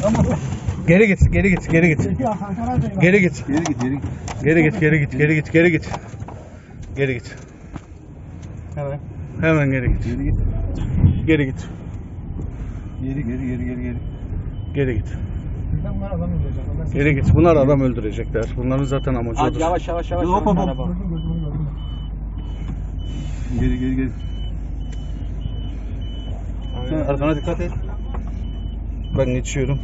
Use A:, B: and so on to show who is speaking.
A: Geri git, geri git, geri git. Geri git.
B: Geri git, geri git.
A: Geri git, geri git, geri git, geri git. Geri git.
B: Hemen.
A: Hemen geri git.
B: Geri git.
A: Geri git.
B: Geri.
A: Geri git. Geri git. Bunlar adam öldürecekler. Bunların zaten amacı
C: Hadi
A: odur.
C: yavaş yavaş yavaş.
B: Hop, hop, hop.
C: Araba.
B: Geri. Sen arkana dikkat et.
A: Ben geçiyorum.